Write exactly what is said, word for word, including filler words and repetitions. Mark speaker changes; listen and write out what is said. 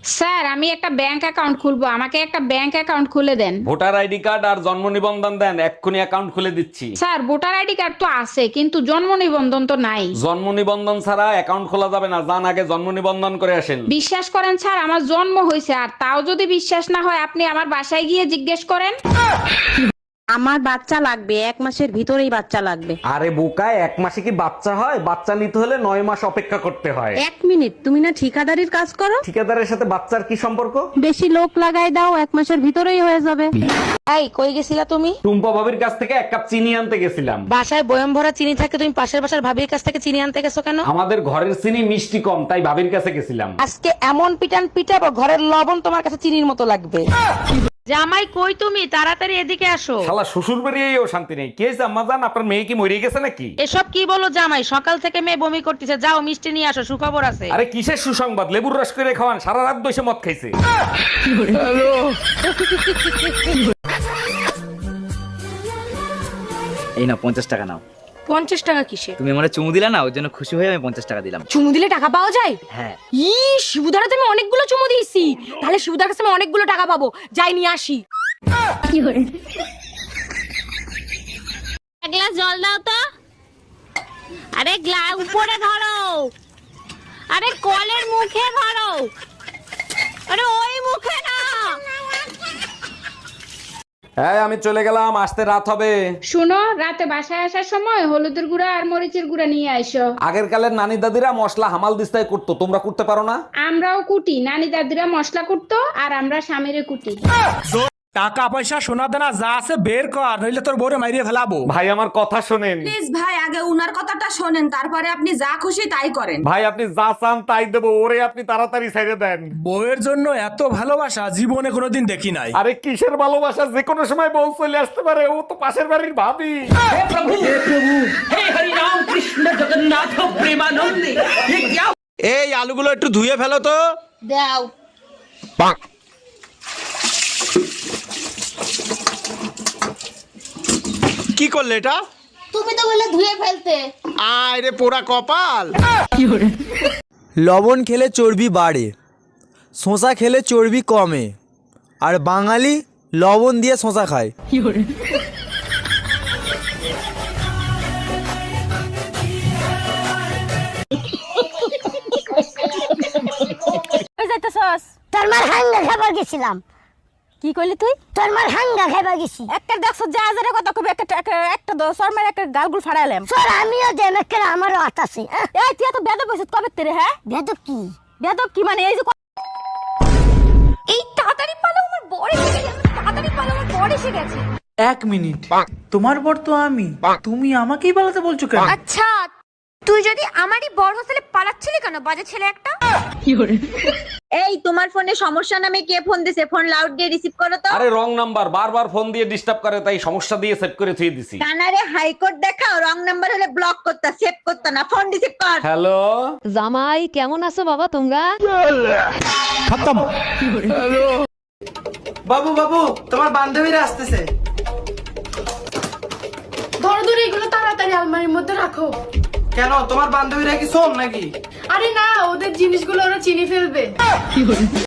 Speaker 1: Sir আমি একটা bank account খুলবো, আমাকে একটা ব্যাংক অ্যাকাউন্ট খুলে দেন।
Speaker 2: ভোটার আইডি কার্ড আর জন্ম নিবন্ধন দেন, এক্ষুনি অ্যাকাউন্ট খুলে দিচ্ছি।
Speaker 1: স্যার ভোটার আইডি কার্ড তো আছে কিন্তু জন্ম নিবন্ধন তো নাই।
Speaker 2: জন্ম নিবন্ধন ছাড়া অ্যাকাউন্ট খোলা যাবে না, যান আগে জন্ম নিবন্ধন করে আসেন।
Speaker 1: বিশ্বাস করেন স্যার আমার জন্ম হয়েছে, আর তাও যদি বিশ্বাস না হয় আপনি আমার বাসায় গিয়ে জিজ্ঞেস করেন।
Speaker 3: আমার বাচ্চা লাগবে, এক মাসের ভিতরেই বাচ্চা লাগবে।
Speaker 2: আরে বোকা, এক মাসে কি বাচ্চা হয়? বাচ্চা নিতে হলে নয় মাস অপেক্ষা করতে হয়।
Speaker 3: এক মিনিট, তুমি না ঠিকাদারির কাজ করো?
Speaker 2: ঠিকাদারের সাথে বাচ্চার কি সম্পর্ক?
Speaker 3: বেশি লোক লাগাই দাও, এক মাসের ভিতরেই হয়ে যাবে। এই কই গেছিলা তুমি?
Speaker 2: টুম্পা ভাবির কাছ থেকে এক কাপ চিনি আনতে গেছিলাম।
Speaker 3: বাসায় বয়ম ভরা চিনি থাকে, তুমি পাশের বাসার ভাবির কাছ থেকে চিনি আনতে গেছো কেন?
Speaker 2: আমাদের ঘরের চিনি মিষ্টি কম, তাই ভাবির কাছে গেছিলাম।
Speaker 3: আজকে এমন পিটান পিটাবো, ঘরের লবণ তোমার কাছে চিনির মতো লাগবে। জামাই কই তুমি? তাড়াতাড়ি এদিকে আসো।
Speaker 2: শালা শ্বশুর বাড়িয়েও শান্তি নেই। কে জাম্মা জান, আপনার মেয়ে কি মরে গেছে নাকি?
Speaker 3: এসব কি বলো জামাই? সকাল থেকে মেয়ে বমি করতেছে, যাও মিষ্টি নিয়ে আসো, সুখবর আছে।
Speaker 2: আরে কিসের সুসংবাদ? লেবুর রস করে খাওয়ান, সারা রাত বসে মদ খাইছে।
Speaker 4: এই না পঞ্চাশ টাকা নাও।
Speaker 5: পঞ্চাশ টাকা কিসে?
Speaker 4: তুমি আমার চুমু দিলা না, ওর জন্য খুশি হয়ে আমি পঞ্চাশ টাকা দিলাম।
Speaker 5: চুমু দিলে টাকা পাওয়া যায়?
Speaker 4: হ্যাঁ।
Speaker 5: ই শিবুদারা তুমি অনেকগুলো চুমু দিয়েছি, তাহলে শিবুদার কাছে আমি অনেকগুলো টাকা পাবো, যাই নিয়ে আসি।
Speaker 6: এক গ্লাস জল দাও তো। আরে গ্লাস উপরে ধরো, আরে কলের মুখে ধরো, আরে ওই মুখে না।
Speaker 2: হ্যাঁ আমি চলে গেলাম, আসতে রাত হবে।
Speaker 1: শুনো, রাতে বাসায় আসার সময় হলুদের গুঁড়া আর মরিচের গুঁড়া নিয়ে আইসো।
Speaker 2: আগের কালের নানি দাদিরা মশলা হামাল দিস্তায় করতো, তোমরা করতে পারো না?
Speaker 1: আমরাও কুটি, নানি দাদিরা মশলা কুটতো আর আমরা স্বামীরে কুটি।
Speaker 7: টাকা পয়সা সোনা দানা যা আছে বের কর, নইলে তোর বউরে মাইরিয়ে ফেলাবো।
Speaker 2: ভাই আমার কথা শোনেন।
Speaker 8: প্লিজ ভাই, আগে উনার কথাটা শোনেন, তারপরে আপনি যা খুশি তাই করেন।
Speaker 2: ভাই আপনি যা চান তাই দেবো, ওরে আপনি তাড়াতাড়ি ছেড়ে দেন।
Speaker 7: বউয়ের জন্য এত ভালোবাসা জীবনে কোনোদিন দেখি নাই।
Speaker 2: আরে কিসের ভালোবাসা, যে কোনো সময় বউ চলে আসতে পারে, ও তো পাশের বাড়ির ভাবি।
Speaker 7: এই আলুগুলো একটু ধুয়ে ফেলো তো।
Speaker 8: দাও।
Speaker 7: কি করলে এটা?
Speaker 8: তুমি তো বললে ধুয়ে ফেলতে।
Speaker 7: আয় রে পোড়া কপাল।
Speaker 9: লবণ খেলে চর্বি বাড়ে, শশা খেলে চর্বি কমে, আর বাঙালি লবণ দিয়ে শশা খায়।
Speaker 6: তোর মার হাঙ্গা খাবার গেছিলাম।
Speaker 5: কি কইলি তুই?
Speaker 6: তোর মার হাঙ্গা খাবার গেছি।
Speaker 5: একটা দেখছো যা হাজারের কথা কবি, একটা একটা- একটা দশর মার একটা গালগুল ফাড়াইলাম।
Speaker 6: তোর আমিও দেন একটা, আমারও হাত আছে।
Speaker 5: এই তুই এত বেদব হইছিস কবে তেরে? হ্যাঁ
Speaker 6: বেদব কি?
Speaker 5: বেদব কি মানে? এই যে এই তাড়াতাড়ি পালো, আমার বড় এসে গেছে, তাড়াতাড়ি পালো, আমার বড় এসে গেছে।
Speaker 10: এক মিনিট, তোমার বর তো আমি, তুমি আমাকেই পালাতে বলছো কেন?
Speaker 5: আচ্ছা তুই যদি আমারই বড় হোস্টেলে পালাচ্ছিলি কেন, বাজে ছেলে একটা?
Speaker 8: এই তোমার ফোনে সমস্যা নামে কে ফোন দিছে? ফোন লাউড দিয়ে রিসিভ করো তো।
Speaker 2: আরে রং নাম্বার, বারবার ফোন দিয়ে ডিস্টার্ব করে, তাই সমস্যা দিয়ে সেট করে থুয়ে দিছি।
Speaker 8: কানারে হাইকোর্ট দেখাও, রং নাম্বার হলে ব্লক করতা, সেভ করতা না, ফোন রিসিভ কর।
Speaker 2: হ্যালো
Speaker 6: জামাই কেমন আছো বাবা তোমরা?
Speaker 10: বাবু বাবু, তোমার বান্ধবীরা আসতেছে।
Speaker 5: ধরো ধরো এগুলো তাড়াতাড়ি আলমারির মধ্যে রাখো।
Speaker 10: কেন, তোমার বান্ধবীরা কি শোন নাকি?
Speaker 5: আরে না, ওদের জিনিসগুলো ওরা চিনি ফেলবে।